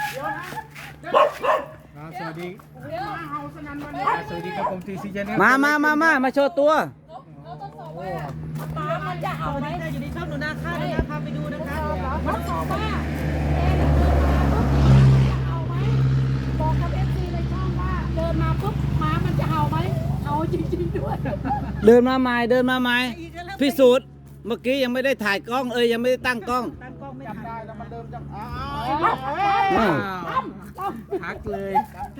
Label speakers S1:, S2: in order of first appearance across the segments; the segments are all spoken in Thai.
S1: สวัสดีสวัสดีครับผมทีซีเจน
S2: มาโชว์ตัว
S3: มันจะเอาไหมอยู่ในช่องหนูนาค่านะคะพาไปดูนะคะมันบอกว่าเอาไหมบอกกับเอฟซีในช่องว่าเดินมาปุ๊บหมามันจะเอาไหมเอาจริงๆด้วย
S2: เดินมาใหม่พิสูจน์เมื่อกี้ยังไม่ได้ถ่ายกล้องยังไม่ได้ตั้งกล้อง
S3: ตั้งกล้องไม่ทัน
S1: ได้แล้วมันเริ่มจะ
S2: พักเลย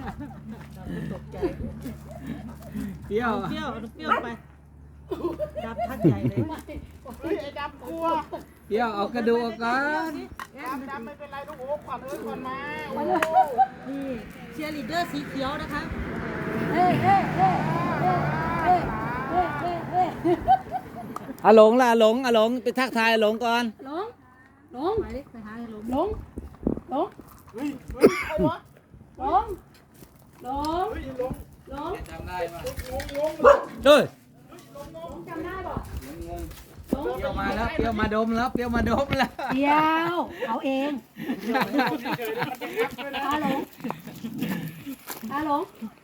S3: เปรี้ยวไปดับทักใหญ่เลย
S1: ดำกลัว
S2: เดี๋ยวเอากระดูกก่อน
S1: ดำไม่เป็นไรลูกโอ้ขวัญขวัญมา
S3: นี่เชียร์ลีดเดอร์สีเขียวนะคะ
S2: อาหลงล่ะหลงไปทักทายหลงก่อน
S3: หลงไปหาหลง
S2: จำได้ป่ะเฮ้ย
S3: จำได้ป่ะ
S2: เปรี้ยวมาแล้วเปรี้ยวมาดมแล้วเปรี้ยวมาดมแล้ว
S3: เดียวเอาเองฮัลโหล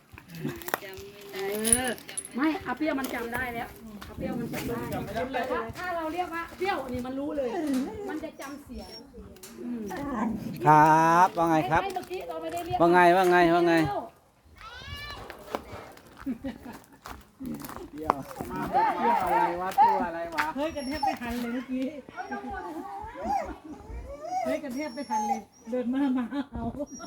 S3: ไม่อาเปรี้ยวมันจำได้แล้วอาเปรี้ยวมันจำได้ถ้าเราเรียกว่าเปรี้ยวนี่มันรู้เลย มันจะจำเสียง
S2: ครับว่าไงครับ
S3: เมื่อกี้เราไม่ได้เรียก
S2: ว่าไงอะไรวะตัวอะไรวะ
S3: เฮ้ยกันแทบไม่ทันเลยเมื่อกี้เฮ้ยกันแทบไม่ทันเลยเดินมาเอา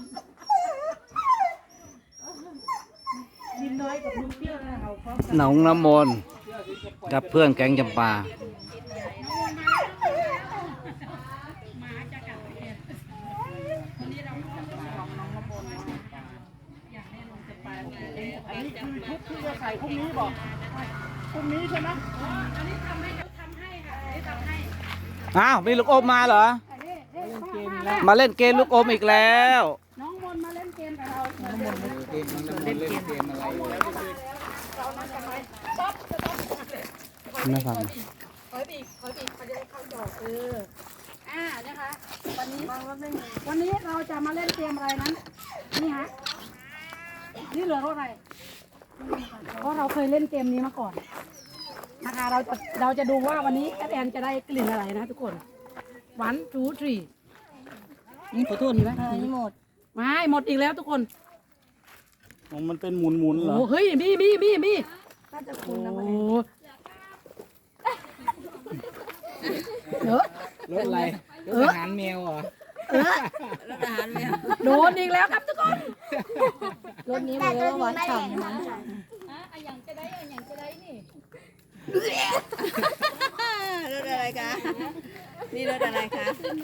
S3: ดินน้อยกับลุงเปรี้ยวนะเอาพร้อมกัน
S2: หนองน้ำมนต์กับเพื่อนแก๊งจำปา
S1: อันนี้คือชุดที่จะใส่พรุ่งนี้บอกพรุ่งนี้ใช่ไหม
S3: อันนี้ทำให้ค่ะอันนี้ทำให้
S2: อ้าวมีลูกอมมาเหรอมาเล่นเกมลูกอมอีกแล้ว
S3: น้องมนมาเล่นเกมกับเรา
S2: เล่นเกมอะไรไม่ฟัง
S3: ขอบีเขาจะได้เข้าดอกนะคะวันนี้เราจะมาเล่นเกมอะไรนั้นนี่ฮะนี่เหลือเท่าไหร่เพราะเราเคยเล่นเกมนี้มาก่อนนะคะเราจะดูว่าวันนี้แอดจะได้กลิ่นอะไรนะทุกคน1 2 3นี่ขอโทษนี่ไหมนี่หมดไม่หมดอีกแล้วทุกคน
S1: มันเป็นหมุนๆเหรอ
S3: โอ้เฮ้ยมีน่าจะคุณนะโอ้
S2: รถอะไรรถอาหารแมวเหรอ
S3: รถอาหารแมวโดนอีกแล้วครับทุกคนรถนี้มันเรียกว่าวัดฉ่ำนะอย่างจะได้นี่
S4: รถอะไรคะ นี่รถอะไรคะ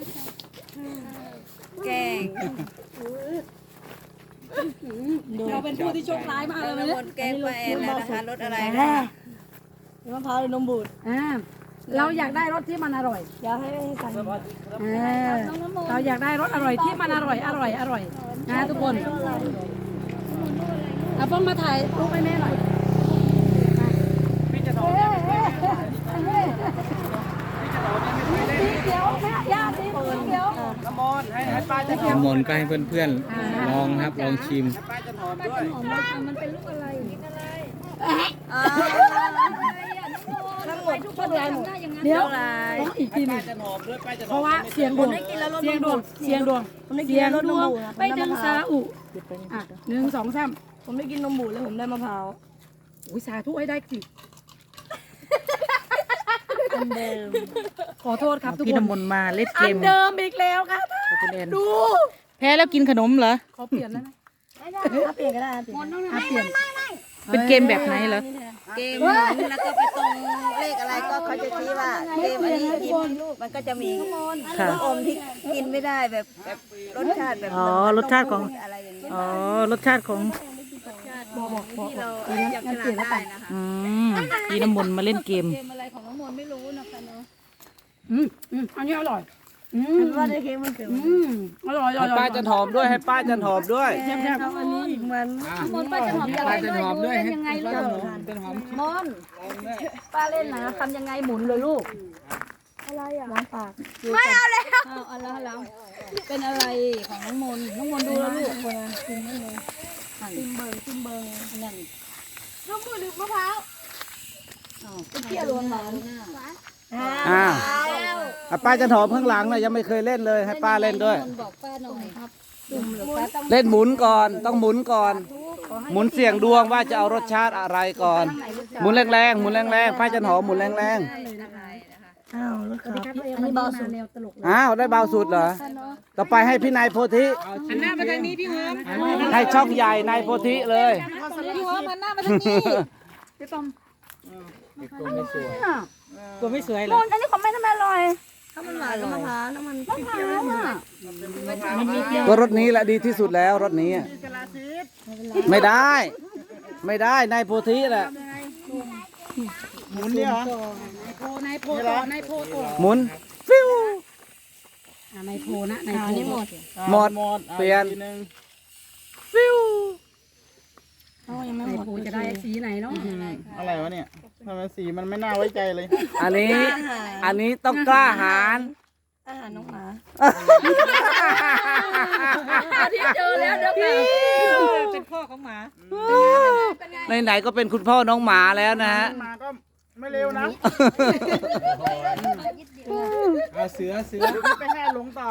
S4: แกง
S3: เราเป็นผู้ที่โชคร้ายมากเลย
S4: ร
S3: เนี่ย
S4: ถแกงปลาแอนแล้วนะคะ รถอะไรคะ
S3: มะพร้าวหรือนมบูดเราอยากได้รสที่มันอร่อยอยากให้กันเราอยากได้รสอร่อยที่มันอร่อยนะทุกคนเอาป้องมาถ่ายรูปให้แม่หน่อยสีเขียวแม่ย่าสีเขียว
S1: น้ำมนต์ให้ป้าจะ
S2: น้ำมนต์ก็ให้เพื่อนๆลองครับลองชิม
S1: ป้าจะหอมด้วย
S3: มันเป็นลูกอะไร
S4: ทั้งหมดทุกคนเลยหมด
S3: เดี๋ยวต้องอีกทีหนึ
S1: ป้าง จะหอมด้วยป้าจะห
S3: เพ
S1: อม
S3: ราะว่าเสียงดวงไปดึงซาอุ1 2 3
S4: ผมได้กินนมบูดแล้วผมได้มะพร้าว
S3: อุ้ยสาธุให้ได้จิ
S4: เดิม
S3: ขอโทษครับทุก
S5: พี่
S3: คน
S5: น้ำมนต์มาเล่นเก
S3: อัน
S5: ม
S3: เดิมอีกแล้วครับ
S5: คุณเอ็น
S3: ดู
S5: แพ้แล้วกินขนมเหรอ
S3: ขอเปลี่ยนได้ไหม
S4: ถ้าเปลี่ยนก็ได้เปลี่ยน
S3: เปลี่ยน
S5: เป็นเกมแบบไหนเหรอ
S4: เกมหมุนแล้วก็ไปตรงเลขอะไรก็เขาจะชี้ว่าเกมอันนี้หยิบมันก็จะมี
S5: ค่ะ
S4: ลูกอมที่กินไม่ได้แบบรสชาติแบบ
S5: อ๋อรสชาติของ
S4: อะไรอย่างนี้
S5: อ๋อ รสชาติของ
S4: ที่เราจับฉลากได้นะคะ
S5: พี่น้ำมนต์มาเล่นเกม
S3: อันนี้อร่อย
S4: ว่าได้เค้กมันเกิด
S3: อร่อย
S2: ให้ป้าจะหอมด้วยให้ป้าจะหอมด้วย
S4: เอาอันนี้อีกมัน
S2: ป้าจะหอมด้วยให้ป้าจะหอม
S3: มอนป้าเล่นนะทำยังไงหมุนเลยลูกล้างปาก
S4: ไม่เอาแล้วเอาแล้วเป็นอะไรของน้องมนต์น้องมนต์ดูแล้วลูก
S3: กินนั่นเลยซิมเบิง
S4: นั่น
S3: น้ำมือหรือมะพร้าว
S4: เที่ยวล้วนหวาน
S2: อ้าวอ่ะป้าจะหอมข้างหลังนะยังไม่เคยเล่นเลยให้ป้าเล่นด้วย
S4: มนต์บอกป้าหน่อยครับจุ่มหรือป้าต้อง
S2: เล่นหมุนก่อนต้องหมุนก่อน หมุนเสี่ยงดวงว่าจะเอารสชาติอะไรก่อน หมุนแรงๆหมุนแรงๆป้าจะหอมหมุนแรง
S5: อ้าวแล้วครับ
S3: อันนี้เบาสุดแนวตลกเลย
S2: ๆอ้าวได้เบาสุดเหรอต่อไปให้พี่นายโพธิ
S1: หันหน้ามาทางนี้พี่หอม
S2: ให้ช่องใหญ่นายโพธิเลย
S4: พี่หัวมันหน้ามาทางนี้
S3: พี่ปอม
S1: ตัวไม่สวย
S5: กลัวไม่สวยเหร
S3: ม
S5: อน
S3: อันนี้ของแม่ทำไมอร่อย
S4: ถ้ามันหวานแล้วมะพร้าวแล้วมัน
S3: มะพร้าวอ่ะ
S5: มันมีเปรี้ยว
S2: ก็รถนี้แหละดีที่สุดแล้วรถนี้อะไม่ได้ ไม่ได้นายโพธิแหละ
S1: หมุนเนี่ยเหรอ
S3: นายโพต่อนายโพต่อ
S2: หมุนฟิว
S3: นายโพนะนายโพนี่หมด
S2: หมดเปลี่ยนฟิว
S3: นายโพจะได้สีไหนเนาะ
S1: อะไรวะเนี่ยทำไมสีมันไม่น่าไว้ใจเลย
S2: อันนี้ต้องกล้าหาญ
S4: อาหารน้องหมา
S3: ที่เจอแล้วเด้อค่ะ
S5: เป็นพ่อของหมา
S2: ไหนๆก็เป็นคุณพ่อน้องหมาแล้วนะฮะ
S1: มาก็ไม่เร็วนะเอาเสือไปแห่หลงต่อ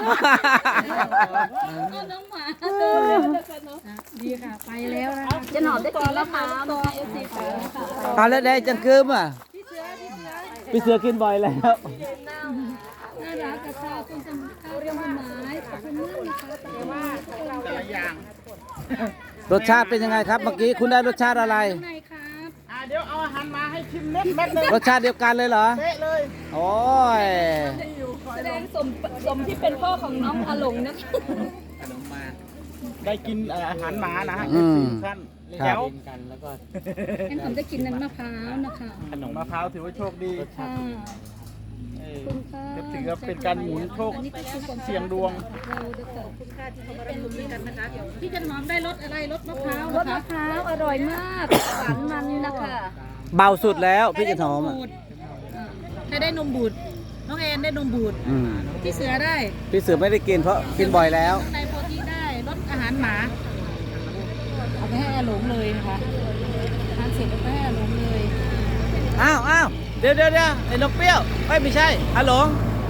S3: ดีค่ะไปแล้วนะ
S4: จะหนอมได้กินมะพร้าวนะคะเอฟซีค่ะ
S2: ตอนแล้วได้จังคืมอ่ะพี่เสือกินบ่อยแล้ว
S3: น่ารักกับข้าวต้นข้าวเรียกว่าไม้ขอบคุณมากนะคะแต่ว่า
S1: แต่ละอย่าง
S2: รสชาติเป็นยังไงครับเมื่อกี้คุณได้รสชาติอะไร
S3: ไหนครับ
S1: เดี๋ยวเอาอาหารมาให้ชิมเม็ดหนึ่ง
S2: รสชาติเดียวกันเลยเหรอ
S1: เป๊ะเลย
S2: โอ้ย
S4: แสดงสมที่เป็นพ่อของน้องอาหลงนะคะ
S1: ได้กินอาหารหมานะฮะ
S2: อืม
S1: ท่าน
S2: ครั
S1: แล้
S2: บ
S1: ว
S3: งั้นผมจะกินน้ำมะพร้าวนะคะ
S1: ขนมมะพร้าวถือว่าโชคดี
S3: ค่ะ
S1: เออ
S3: คุณค่ะ
S1: ก็ถือว่าเป็นการหมุนโชคเสี่ยงดวง
S3: เราจะขอบคุณค่ะที่เขามาร่วมมือกันนะคะพี่จันหอมได้รสอะไรรสมะพร้าว
S4: รสมะพร้าวอร่อยมากหวานมันนะคะ
S2: เบาสุดแล้วพี่จะหอมอ่ะ
S5: ใครได้นมบูดน้องแอนได้นมบูด
S2: อืม
S5: พี่เสือได้
S2: พี่เสือไม่ได้กินเพราะกินบ่อยแล้ว
S5: ในโพธิได้รสอาหารหมาเอาไปให้อาหลงเลยนะคะทานเสร็จเอาไปให้อาหลงเลย
S2: อ้าวเดี๋ยวไอ้นกเปรี้ยวไม่ใช่อาหลง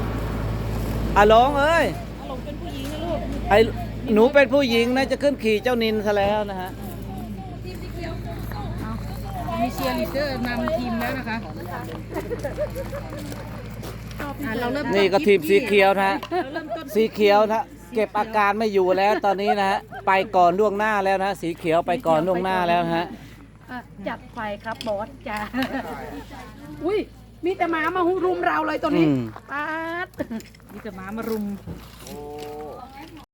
S2: เอ้ย
S5: อาหลงเป็นผู้หญิงนะลูก
S2: ไอ้หนูเป็นผู้หญิงนะจะขึ้นขี่เจ้านินซะแล้วนะฮะ
S5: มีเชียร์ลีดเดอร์นำทีมแล้วนะคะเราเริ่มต้
S2: นี่ก็ทีมสีเขียวนะฮะ
S5: เราเริ่มต้น
S2: สีเขียวนะเก็บอาการไม่อยู่แล้วตอนนี้นะฮะไปก่อนล่วงหน้าแล้วนะสีเขียวไปก่อนล่วงหน้าแล้วนะฮะ
S3: จัดไปครับบอสจ้าอุ้ยมีแต่หมามารุมเราเลยตัวนี้
S2: อืม
S3: ปาด
S5: มีแต่หมามารุม